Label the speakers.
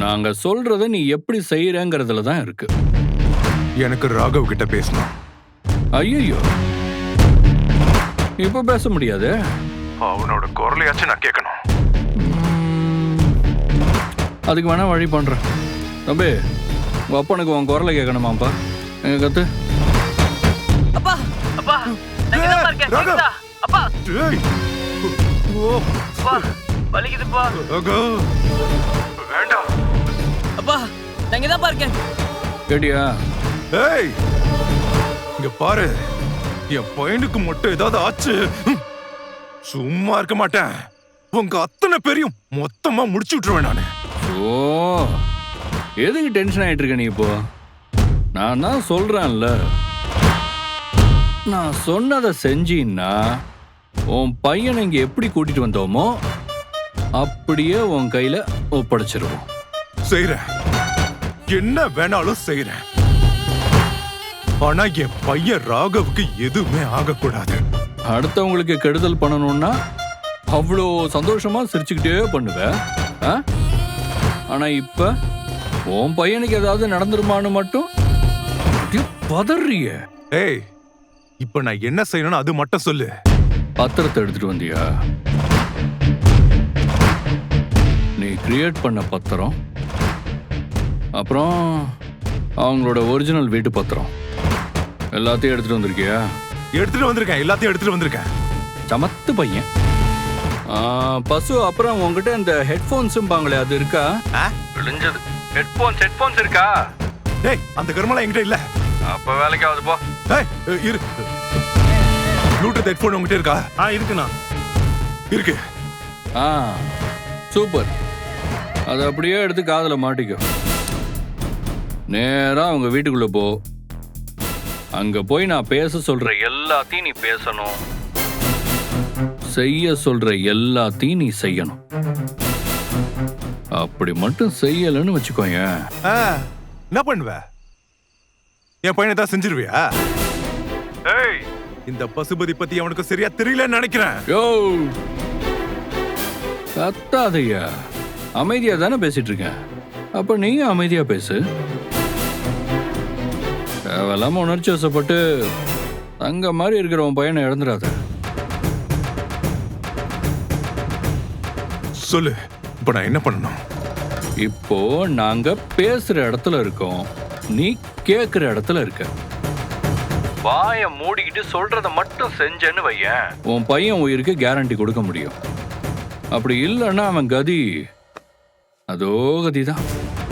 Speaker 1: நாங்க சொல்றத நீ எப்படி செய்யறங்கிறதுல தான் இருக்கு.
Speaker 2: எனக்கு ராகவ் கிட்ட பேசணும்.
Speaker 1: ஐயோ, இப்ப பேச முடியாது.
Speaker 2: அவனோட குரலையாச்சும் நான் கேட்கணும்.
Speaker 1: அதுக்கு வேணா வழி பண்றேன். தம்பி, உங்க அப்பனுக்கு உன் குரலை கேட்கணுமாப்பா? எங்க கத்து.
Speaker 3: அப்பா அப்பா நான் இங்க தான் இருக்கேன். கேக்குதா? அப்பா
Speaker 2: ஏய் ஓ
Speaker 3: அப்பா வலிக்குதுப்பா.
Speaker 2: ராகவ் வேண்டாம்.
Speaker 3: அப்பா நான் இங்க தான் இருக்கேன்.
Speaker 1: கேட்டியா?
Speaker 2: ஏய் இங்க பாரு, என் பையனுக்கு மட்டும் ஏதாவது ஆச்சு சும்மா இருக்க மாட்டேன். உங்க அத்தனை பேரையும் மொத்தமா முடிச்சு விட்டுருவேன் நானு.
Speaker 1: ஓ, எதுக்கு டென்ஷன் ஆயிட்டு இருக்க நீ இப்போ? நான் தான் சொல்றேன்ல, நான் சொன்னதை செஞ்சீன்னா உன் பையனை இங்க எப்படி கூட்டிட்டு வந்தோமோ அப்படியே உன் கையில ஒப்படைச்சிருவோம்.
Speaker 2: செய்றேன், என்ன வேணாலும் செய்றேன். ஆனா என் பையன் ராகவுக்கு எதுவுமே ஆகக்கூடாது.
Speaker 1: அடுத்தவங்களுக்கு கெடுதல் பண்ணணும்னா அவ்வளோ சந்தோஷமா சிரிச்சுக்கிட்டே பண்ணுவேன். ஆனா இப்ப உன் பையனுக்கு ஏதாவது நடந்துருமான்னு மட்டும் அப்படியே பதறிய.
Speaker 2: ஏய் இப்ப நான் என்ன செய்யணும்னு அது மட்டும் சொல்லு.
Speaker 1: பத்திரத்தை எடுத்துட்டு வந்தியா? நீ கிரியேட் பண்ண பத்திரம், அப்புறம் அவங்களோட ஒரிஜினல் வீட்டு பத்திரம் எல்லாத்தையும் எடுத்துட்டு வந்திருக்கியா?
Speaker 2: எடுத்துட்டு வந்திருக்கேன், எல்லாத்தையும் எடுத்துட்டு வந்திருக்கேன்.
Speaker 1: சமத்து பையன். பசு, அப்புறம் உங்ககிட்ட இந்த ஹெட்போன்ஸும் பாங்களே, அது இருக்கா? விழிஞ்சது ஹெட்போன்ஸ் இருக்கா?
Speaker 2: டேய் அந்த கருமலாம் என்கிட்ட இல்ல.
Speaker 1: அப்ப வேலைக்காவது போ.
Speaker 2: ஏய் இரு, ப்ளூடூத் ஹெட்போன் உங்ககிட்ட இருக்கா?
Speaker 4: இருக்குண்ணா.
Speaker 2: இருக்கு.
Speaker 1: சூப்பர். அதை அப்படியே எடுத்து காதுல மாட்டிக்கோ. நேரா அவங்க வீட்டுக்குள்ள போ. அங்க போய் நான் பேச சொல்ற எல்லாத்தையும் நீ பேசணும், செய்ய சொல்ற எல்லாத்தையும் நீ செய்யணும். அப்படி மட்டும் செய்யலன்னு வச்சுக்கோங்க,
Speaker 2: என்ன பண்ணுவ? என் பையனை தான் செஞ்சிருவியா? ஏய் இந்த பசுபதி பத்தி அவனுக்கு சரியா தெரியலன்னு நினைக்கிறேன்.
Speaker 1: யோ கத்தாதையா, அமைதியா தானே பேசிட்டு இருக்கேன். அப்ப நீங்க அமைதியா பேசு. தேவையில்லாம உணர்ச்சி வசப்பட்டு தங்க மாதிரி இருக்கிற உன் பையனை இழந்துடாத.
Speaker 2: சொல்லு, இப்ப நான் என்ன பண்ணணும்?
Speaker 1: இப்போ நாங்க பேசுற இடத்துல இருக்கோம், நீ கேக்குற இடத்துல இருக்க. வாய மூடிக்கிட்டு சொல்றத மட்டும் செஞ்சேன்னு வையேன், உன் பையன் உயிருக்கு கேரண்டி கொடுக்க முடியும். அப்படி இல்லைன்னா அவன் கதி அதோ கதிதான்.